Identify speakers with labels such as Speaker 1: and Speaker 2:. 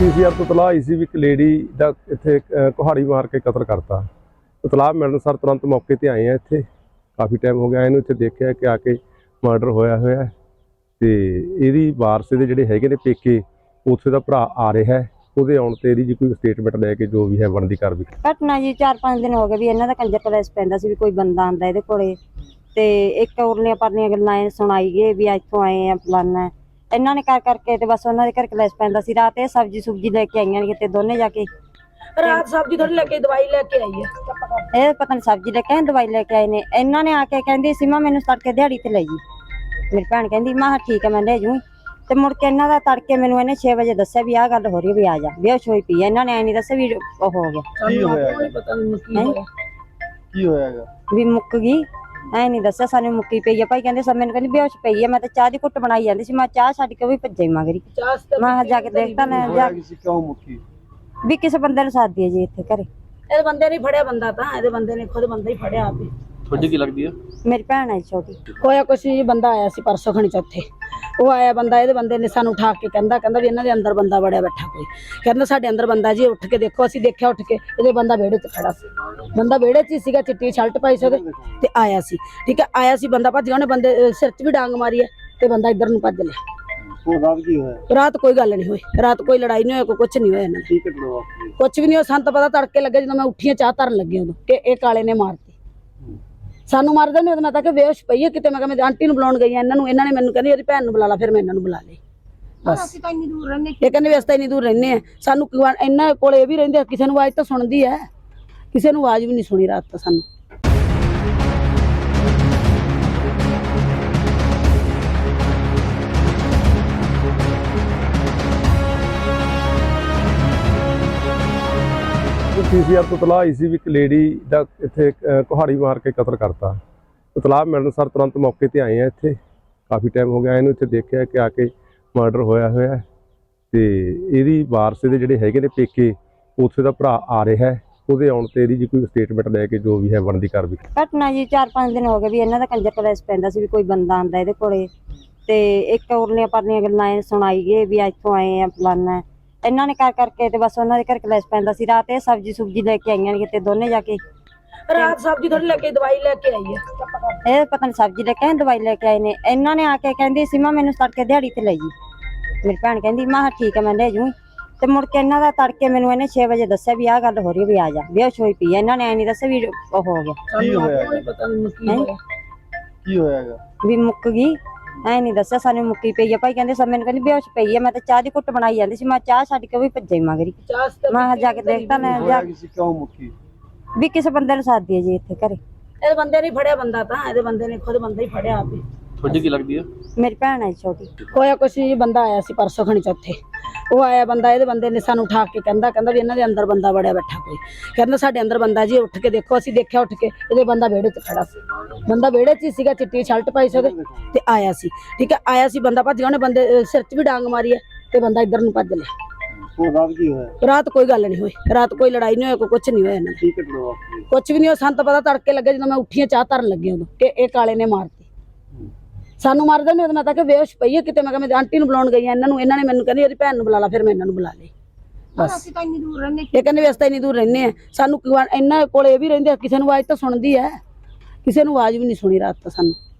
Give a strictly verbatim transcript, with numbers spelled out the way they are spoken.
Speaker 1: PCR तो तलाह आई सी भी एक लेडी का इत्थे कुहाड़ी मार के कतल करता। तलाह मिलने सर तुरंत मौके पर आए हैं। इत्थे काफ़ी टाइम हो गया इन्हूं इत्थे देखिया कि आके मर्डर होया होया ते इहदी वारस दे जिहड़े हैगे ने पेके उत्थे दा भरा आ रहा है। ਉਹਦੇ ਆਉਣ ਤੇ ਇਹਦੀ ਜੀ ਕੋਈ ਸਟੇਟਮੈਂਟ ਲੈ ਕੇ ਜੋ ਵੀ ਹੈ ਬਣਦੀ ਕਾਰਵਾਈ।
Speaker 2: ਘਟਨਾ ਜੀ ਚਾਰ ਪੰਜ ਦਿਨ ਹੋ ਗਏ ਵੀ ਇਹਨਾਂ ਦਾ ਕੰਜਰ ਕਲੇਸ ਪੈਂਦਾ ਸੀ ਵੀ ਕੋਈ ਬੰਦਾ ਆਂਦਾ ਇਹਦੇ ਕੋਲੇ ਤੇ ਇੱਕ ਉਰਲੀਆਂ ਪਰਲੀਆਂ ਗੱਲਾਂ ਇਹ ਸੁਣਾਈ ਗਏ ਵੀ ਇੱਥੋਂ ਆਏ ਆ ਫਲਾਨਾ। ਇਹਨਾਂ ਨੇ ਕਰ ਕਰਕੇ ਤੇ ਬਸ ਉਹਨਾਂ ਦੇ ਘਰ ਕਲੇਸ ਪੈਂਦਾ ਸੀ। ਰਾਤ ਇਹ ਸਬਜ਼ੀ ਸੁਬਜੀ ਲੈ ਕੇ ਆਈਆਂ ਨੇ ਕਿਤੇ ਦੋਨੇ ਜਾ ਕੇ।
Speaker 3: ਰਾਤ ਸਬਜ਼ੀ ਥੋੜੀ ਲੈ ਕੇ ਦਵਾਈ ਲੈ ਕੇ ਆਈ ਹੈ।
Speaker 2: ਇਹ ਪਤਾ ਨਹੀਂ ਸਬਜ਼ੀ ਲੈ ਕੇ ਆਏ ਦਵਾਈ ਲੈ ਕੇ ਆਏ ਨੇ। ਇਹਨਾਂ ਨੇ ਆ ਕੇ ਕਹਿੰਦੀ ਸੀ ਮਾਂ ਮੈਨੂੰ ਤੜਕੇ ਦਿਹਾੜੀ ਤੇ ਲੈ ਜੀ। ਮੇਰੀ ਭੈਣ ਕਹਿੰਦੀ ਮਾਂ ਠੀਕ ਹੈ ਮੈਂ ਲੈ ਜੂ। ਤੇ ਮੁੜ ਕੇ ਇਹਨਾਂ ਦਾ ਤੜਕੇ ਮੈਨੂੰ ਇਹਨੇ ਛੇ ਵਜੇ ਦੱਸਿਆ ਵੀ ਆਹ ਗੱਲ ਹੋ ਰਹੀ ਵੀ ਆ ਜਾ ਬੇਹੋਸ਼ ਹੋਈ ਪਈ। ਇਹਨਾਂ ਨੇ ਐ ਨਹੀਂ ਦੱਸਿਆ ਵੀ ਉਹ ਹੋ ਗਿਆ
Speaker 3: ਕੀ ਹੋਇਆ ਪਤਾ ਨਹੀਂ ਕੀ ਹੋਇਆ
Speaker 1: ਕੀ ਹੋਇਆਗਾ
Speaker 2: ਵੀ ਮੁੱਕ ਗਈ। ਐ ਨਹੀਂ ਦੱਸਿਆ ਸਾਨੂੰ ਮੁੱਕੀ ਪਈ ਆ ਭਾਈ। ਕਹਿੰਦੇ ਸਭ ਮੈਨੂੰ ਕਹਿੰਦੀ ਬੇਹੋਸ਼ ਪਈ ਆ। ਮੈਂ ਤਾਂ ਚਾਹ ਦੀ ਘੁੱਟ ਬਣਾਈ ਜਾਂਦੀ ਸੀ। ਮੈਂ ਚਾਹ ਛੱਡ ਕੇ ਉਹ ਵੀ ਭੱਜੇ ਮਗਰੀ। ਮੈਂ ਜਾ ਕੇ ਦੇਖਦਾ ਨਾ ਜਾ
Speaker 1: ਕਿਉਂ ਮੁੱਕੀ
Speaker 2: ਵੀ ਕਿਸੇ ਬੰਦੇ ਨੂੰ ਸਾਦੀ ਹੈ ਜੀ ਇੱਥੇ ਘਰੇ।
Speaker 3: ਇਹਦੇ ਬੰਦੇ ਨੇ ਫੜਿਆ ਬੰਦਾ ਤਾਂ ਇਹਦੇ ਬੰਦੇ ਨੇ ਖੁਦ ਬੰਦਾ ਹੀ ਫੜਿਆ ਆਪੇ।
Speaker 1: ਤੁਹਾਡੀ ਕੀ ਲੱਗਦੀ ਆ?
Speaker 2: ਮੇਰੀ ਭੈਣ ਹੈ ਛੋਟੀ।
Speaker 3: ਹੋਇਆ ਕੁਛ ਜੀ ਬੰਦਾ ਆਇਆ ਸੀ ਪਰਸੋਂ ਖਣੀ ਚੌਥੇ। ਉਹ ਆਇਆ ਬੰਦਾ ਇਹਦੇ ਬੰਦੇ ਨੇ ਸਾਨੂੰ ਉਠਾ ਕੇ ਕਹਿੰਦਾ ਕਹਿੰਦਾ ਵੀ ਇਹਨਾਂ ਦੇ ਅੰਦਰ ਬੰਦਾ ਵੜਿਆ ਬੈਠਾ ਕੋਈ। ਕਹਿੰਦਾ ਸਾਡੇ ਅੰਦਰ ਬੰਦਾ ਜੀ ਉੱਠ ਕੇ ਦੇਖੋ। ਅਸੀਂ ਦੇਖਿਆ ਉੱਠ ਕੇ ਇਹਦੇ ਬੰਦਾ ਵਿਹੜੇ 'ਚ ਖੜਾ ਸੀ। ਬੰਦਾ ਵਿਹੜੇ 'ਚ ਹੀ ਸੀਗਾ ਚਿੱਟੀ ਸ਼ਰਟ ਪਾਈ ਸੀ ਉਹਦੇ ਤੇ ਆਇਆ ਸੀ। ਠੀਕ ਹੈ ਆਇਆ ਸੀ ਬੰਦਾ ਭੱਜ ਗਿਆ। ਉਹਨੇ ਬੰਦੇ ਸਿਰ 'ਚ ਵੀ ਡਾਂਗ ਮਾਰੀ ਹੈ ਤੇ ਬੰਦਾ ਇੱਧਰ ਨੂੰ ਭੱਜ ਲਿਆ।
Speaker 1: ਰਾਤ ਕੀ ਹੋਇਆ?
Speaker 3: ਰਾਤ ਕੋਈ ਗੱਲ ਨਹੀਂ ਹੋਈ। ਰਾਤ ਕੋਈ ਲੜਾਈ ਨਹੀਂ ਹੋਈ ਕੋਈ ਕੁਛ ਨਹੀਂ ਹੋਇਆ ਇਹਨਾਂ ਦਾ। ਕੁਛ ਵੀ ਨਹੀਂ ਹੋਇਆ। ਸਾਨੂੰ ਤਾਂ ਪਤਾ ਤੜਕੇ ਲੱਗੇ ਜਦੋਂ ਮੈਂ ਉੱਠੀਆਂ ਚਾਹ ਧਰਨ ਲੱਗੀ ਉਦੋਂ ਕਿ ਇਹ ਕਾਲੇ ਨੇ ਮਾਰਤੀ। ਸਾਨੂੰ ਮਾਰਦੇ ਨੇ। ਮੈਂ ਤਾਂ ਕਿ ਬੇਹੋਸ਼ ਪਈ ਹੈ ਕਿਤੇ। ਮੈਂ ਕਿਹਾ ਮੈਂ ਆਂਟੀ ਨੂੰ ਬੁਲਾਉਣ ਗਈ ਇਹਨਾਂ ਨੂੰ। ਇਹਨਾਂ ਨੇ ਮੈਨੂੰ ਕਹਿੰਦੀ ਉਹਦੀ ਭੈਣ ਨੂੰ ਬੁਲਾ ਲਾ। ਫਿਰ ਮੈਂ ਇਹਨਾਂ ਨੂੰ ਬੁਲਾ ਲਈ ਬਸ। ਅਸੀਂ ਤਾਂ ਇੰਨੀ ਦੂਰ ਰਹਿੰਦੇ। ਇਹ ਕਹਿੰਦੇ ਵੀ ਅਸੀਂ ਤਾਂ ਇੰਨੀ ਦੂਰ ਰਹਿੰਦੇ ਆ। ਸਾਨੂੰ ਇਹਨਾਂ ਕੋਲ ਇਹ ਵੀ ਰਹਿੰਦੇ ਕਿਸੇ ਨੂੰ ਆਵਾਜ਼ ਤਾਂ ਸੁਣਦੀ ਹੈ। ਕਿਸੇ ਨੂੰ ਆਵਾਜ਼ ਵੀ ਨਹੀਂ ਸੁਣੀ ਰਾਤ ਤਾਂ ਸਾਨੂੰ।
Speaker 1: पीसीआर तो तलाह आई सी भी एक लेडी का इत्थे कुहाड़ी मार के कतल करता। तलाह मिलने सर तुरंत मौके पर आए हैं। इत्थे काफ़ी टाइम हो गया इन्हूं इत्थे देखिया कि आके मर्डर होया होया ते इहदी वारस दे जिहड़े हैगे ने पेके उत्थे दा भरा आ रहा है। ਉਹਦੇ ਆਉਣ ਤੇ ਇਹਦੀ ਜੀ ਕੋਈ ਸਟੇਟਮੈਂਟ ਲੈ ਕੇ ਜੋ ਵੀ ਹੈ ਬਣਦੀ ਕਾਰਵਾਈ।
Speaker 2: ਘਟਨਾ ਜੀ ਚਾਰ ਪੰਜ ਦਿਨ ਹੋ ਗਏ ਵੀ ਇਹਨਾਂ ਦਾ ਕੰਜਰ ਕਲੇਸ ਪੈਂਦਾ ਸੀ ਵੀ ਕੋਈ ਬੰਦਾ ਆਂਦਾ ਇਹਦੇ ਕੋਲੇ ਤੇ ਇੱਕ ਉਰਲੀਆਂ ਪਰਲੀਆਂ ਗੱਲਾਂ ਇਹ ਸੁਣਾਈ ਗਏ ਵੀ ਇੱਥੋਂ ਆਏ ਆ ਫਲਾਨਾ। ਇਹਨਾਂ ਨੇ ਕਰ ਕਰਕੇ ਤੇ ਬਸ ਉਹਨਾਂ ਦੇ ਘਰ ਕਲੇਸ ਪੈਂਦਾ ਸੀ। ਰਾਤ ਇਹ ਸਬਜ਼ੀ ਸੁਬਜੀ ਲੈ ਕੇ ਆਈਆਂ ਨੇ ਕਿਤੇ ਦੋਨੇ ਜਾ ਕੇ।
Speaker 3: ਰਾਤ ਸਬਜ਼ੀ ਥੋੜੀ ਲੈ ਕੇ ਦਵਾਈ ਲੈ ਕੇ ਆਈ ਹੈ।
Speaker 2: ਇਹ ਪਤਾ ਨਹੀਂ ਸਬਜ਼ੀ ਲੈ ਕੇ ਆਏ ਦਵਾਈ ਲੈ ਕੇ ਆਏ ਨੇ। ਇਹਨਾਂ ਨੇ ਆ ਕੇ ਕਹਿੰਦੀ ਸੀ ਮਾਂ ਮੈਨੂੰ ਤੜਕੇ ਦਿਹਾੜੀ ਤੇ ਲੈ ਜੀ। ਮੇਰੀ ਭੈਣ ਕਹਿੰਦੀ ਮਾਂ ਠੀਕ ਹੈ ਮੈਂ ਲੈ ਜੂ। ਤੇ ਮੁੜ ਕੇ ਇਹਨਾਂ ਦਾ ਤੜਕੇ ਮੈਨੂੰ ਇਹਨੇ ਛੇ ਵਜੇ ਦੱਸਿਆ ਵੀ ਆਹ ਗੱਲ ਹੋ ਰਹੀ ਵੀ ਆ ਜਾ ਬੇਹੋਸ਼ ਹੋਈ ਪਈ। ਇਹਨਾਂ ਨੇ ਐ ਨਹੀਂ ਦੱਸਿਆ ਵੀ ਉਹ ਹੋ ਗਿਆ
Speaker 1: ਕੀ ਹੋਇਆ
Speaker 3: ਪਤਾ ਨਹੀਂ ਕੀ ਹੋਇਆ
Speaker 1: ਕੀ ਹੋਇਆਗਾ
Speaker 2: ਵੀ ਮੁੱਕ ਗਈ। ਐ ਨਹੀਂ ਦੱਸਿਆ ਸਾਨੂੰ ਮੁੱਕੀ ਪਈ ਆ ਭਾਈ। ਕਹਿੰਦੇ ਸਭ ਮੈਨੂੰ ਕਹਿੰਦੀ ਬੇਹੋਸ਼ ਪਈ ਆ। ਮੈਂ ਤਾਂ ਚਾਹ ਦੀ ਘੁੱਟ ਬਣਾਈ ਜਾਂਦੀ ਸੀ। ਮੈਂ ਚਾਹ ਛੱਡ ਕੇ ਉਹ ਵੀ ਭੱਜੇ ਮਗਰੀ। ਮੈਂ ਜਾ ਕੇ ਦੇਖਦਾ ਨਾ ਜਾ
Speaker 1: ਕਿਉਂ ਮੁੱਕੀ
Speaker 2: ਵੀ ਕਿਸੇ ਬੰਦੇ ਨੂੰ ਸਾਦੀ ਹੈ ਜੀ ਇੱਥੇ ਘਰੇ।
Speaker 3: ਇਹਦੇ ਬੰਦੇ ਨੇ ਫੜਿਆ ਬੰਦਾ ਤਾਂ ਇਹਦੇ ਬੰਦੇ ਨੇ ਖੁਦ ਬੰਦਾ ਹੀ ਫੜਿਆ ਆਪੇ।
Speaker 1: ਤੁਹਾਡੀ ਕੀ ਲੱਗਦੀ ਆ?
Speaker 2: ਮੇਰੀ ਭੈਣ ਹੈ ਛੋਟੀ।
Speaker 3: ਹੋਇਆ ਕੁਛ ਜੀ ਬੰਦਾ ਆਇਆ ਸੀ ਪਰਸੋਂ ਖਣੀ ਚੌਥੇ। ਉਹ ਆਇਆ ਬੰਦਾ ਇਹਦੇ ਬੰਦੇ ਨੇ ਸਾਨੂੰ ਉਠਾ ਕੇ ਕਹਿੰਦਾ ਕਹਿੰਦਾ ਵੀ ਇਹਨਾਂ ਦੇ ਅੰਦਰ ਬੰਦਾ ਵੜਿਆ ਬੈਠਾ ਕੋਈ। ਕਹਿੰਦਾ ਸਾਡੇ ਅੰਦਰ ਬੰਦਾ ਜੀ ਉੱਠ ਕੇ ਦੇਖੋ। ਅਸੀਂ ਦੇਖਿਆ ਉੱਠ ਕੇ ਇਹਦੇ ਬੰਦਾ ਵਿਹੜੇ 'ਚ ਖੜਾ ਸੀ। ਬੰਦਾ ਵਿਹੜੇ 'ਚ ਹੀ ਸੀਗਾ ਚਿੱਟੀ ਸ਼ਰਟ ਪਾਈ ਸੀ ਉਹਦੇ ਤੇ ਆਇਆ ਸੀ। ਠੀਕ ਹੈ ਆਇਆ ਸੀ ਬੰਦਾ ਭੱਜ ਗਿਆ। ਉਹਨੇ ਬੰਦੇ ਸਿਰ 'ਚ ਵੀ ਡਾਂਗ ਮਾਰੀ ਹੈ ਤੇ ਬੰਦਾ ਇੱਧਰ ਨੂੰ ਭੱਜ ਲਿਆ।
Speaker 1: ਰਾਤ ਕੀ ਹੋਇਆ?
Speaker 3: ਰਾਤ ਕੋਈ ਗੱਲ ਨਹੀਂ ਹੋਈ। ਰਾਤ ਕੋਈ ਲੜਾਈ ਨਹੀਂ ਹੋਈ ਕੋਈ ਕੁਛ ਨਹੀਂ ਹੋਇਆ ਇਹਨਾਂ ਦਾ। ਕੁਛ ਵੀ ਨਹੀਂ ਹੋਇਆ। ਸਾਨੂੰ ਤਾਂ ਪਤਾ ਤੜਕੇ ਲੱਗੇ ਜਦੋਂ ਮੈਂ ਉੱਠੀਆਂ ਚਾਹ ਧਰਨ ਲੱਗੀ ਉਦੋਂ ਕਿ ਇਹ ਕਾਲੇ ਨੇ ਮਾਰਤੀ। ਸਾਨੂੰ ਮਾਰਦੇ ਨੇ। ਮੈਂ ਤਾਂ ਕਿ ਬੇਹੋਸ਼ ਪਈ ਹੈ ਕਿਤੇ। ਮੈਂ ਕਿਹਾ ਮੈਂ ਆਂਟੀ ਨੂੰ ਬੁਲਾਉਣ ਗਈ ਇਹਨਾਂ ਨੂੰ। ਇਹਨਾਂ ਨੇ ਮੈਨੂੰ ਕਹਿੰਦੀ ਉਹਦੀ ਭੈਣ ਨੂੰ ਬੁਲਾ ਲਾ। ਫਿਰ ਮੈਂ ਇਹਨਾਂ ਨੂੰ ਬੁਲਾ ਲਈ ਬਸ। ਅਸੀਂ ਤਾਂ ਇੰਨੀ ਦੂਰ ਰਹਿੰਦੇ। ਇਹ ਕਹਿੰਦੇ ਵੀ ਅਸੀਂ ਤਾਂ ਇੰਨੀ ਦੂਰ ਰਹਿੰਦੇ ਆ। ਸਾਨੂੰ ਇਹਨਾਂ ਕੋਲ ਇਹ ਵੀ ਰਹਿੰਦੇ ਕਿਸੇ ਨੂੰ ਆਵਾਜ਼ ਤਾਂ ਸੁਣਦੀ ਹੈ। ਕਿਸੇ ਨੂੰ ਆਵਾਜ਼ ਵੀ ਨਹੀਂ ਸੁਣੀ ਰਾਤ ਤਾਂ ਸਾਨੂੰ।